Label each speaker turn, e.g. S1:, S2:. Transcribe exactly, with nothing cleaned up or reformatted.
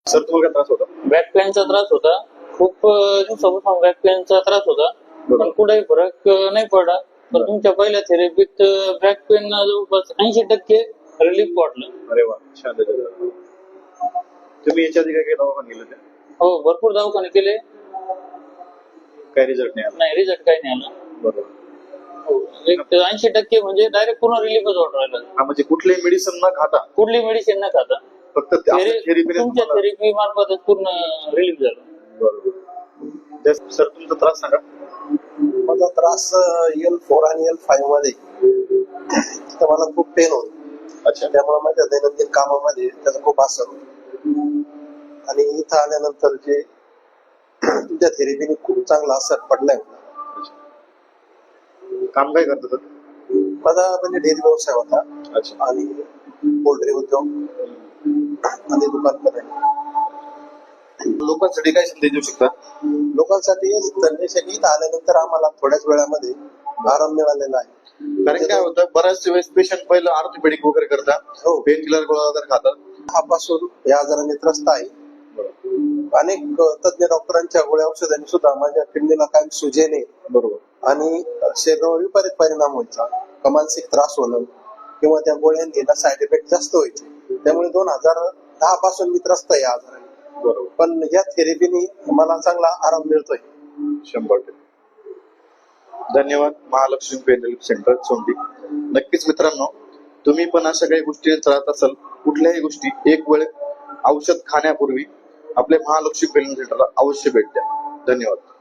S1: Sir तुम्हाला काय त्रास होता?
S2: बॅक पेनचा त्रास होता. खूप दिवसापासून बॅक पेनचा त्रास होता, पण कुठेही फरक नाही पडला. पण तुमच्या पहिल्या थेरपीत बॅक पेन जवळपास ऐंशी टक्के रिलीफ वाटलं.
S1: अरे वा, छान. तुम्ही याच्या आधी काय काय दवाखाने गेले होते?
S2: हो, भरपूर दवाखाने केले,
S1: काय रिझल्ट नाही आला?
S2: नाही रिझल्ट काही नाही आला.
S1: बरोबर.
S2: हो, एक ऐंशी टक्के म्हणजे डायरेक्ट पूर्ण रिलीफच वाटून राहिला.
S1: हा, म्हणजे कुठलीही मेडिसिन न खाता,
S2: कुठली मेडिसिन न खाता
S1: फक्त थेरपी
S2: तुमच्या थेरपी मार्फतच पूर्ण रिलीफ झाला.
S1: बरोबर. सर तुमचा त्रास सांगा.
S3: माझा त्रास एल फोर आणि एल फाईव्ह मध्ये तिथं मला खूप पेन होत.
S1: अच्छा.
S3: त्यामुळे माझ्या दैनंदिन कामामध्ये त्याचा खूप असर होतो. आणि इथं आल्यानंतर जे तुमच्या थेरपीने खूप चांगला असर पडलाय.
S1: काम काय करतात सर?
S3: माझा म्हणजे डेअरी व्यवसाय होता.
S1: अच्छा.
S3: आणि पोल्ट्री उद्योग आणि दुकान पण आहे.
S1: लोकांसाठी काय संदेश देऊ शकता?
S3: लोकांसाठी संदेश इथं आल्यानंतर आम्हाला थोड्याच वेळामध्ये आराम मिळालेला आहे.
S1: कारण काय होतं, बऱ्याच वेळेस पेशंट पहिलं ऑर्थोपेडिक वगैरे करतात,
S3: हो,
S1: पेन किलर गोळ्या वगैरे खातात.
S3: हापासून या आजाराने त्रस्त आहे. अनेक तज्ञ डॉक्टरांच्या गोळ्या औषधांनी सुद्धा माझ्या किडनीला कायम सुजेने
S1: बरोबर
S3: आणि शरीरावर विपरीत परिणाम व्हायचा, मानसिक त्रास होणं किंवा त्या गोळ्यांनी साईड इफेक्ट जास्त व्हायचे. त्यामुळे दोन हजार दहा पासून मी त्रस्त आहे या आजाराने.
S1: बरोबर.
S3: पण या थेरपीने मला चांगला आराम मिळतोय.
S1: शंभर टक्के. धन्यवाद. Mahalaxmi pain relief centre Sondi. नक्कीच मित्रांनो, तुम्ही पण अशा काही गोष्टी त्रास असाल, कुठल्याही गोष्टी एक वेळ औषध खाण्यापूर्वी आपल्या महालक्ष्मी पेन सेंटरला अवश्य भेट द्या. धन्यवाद.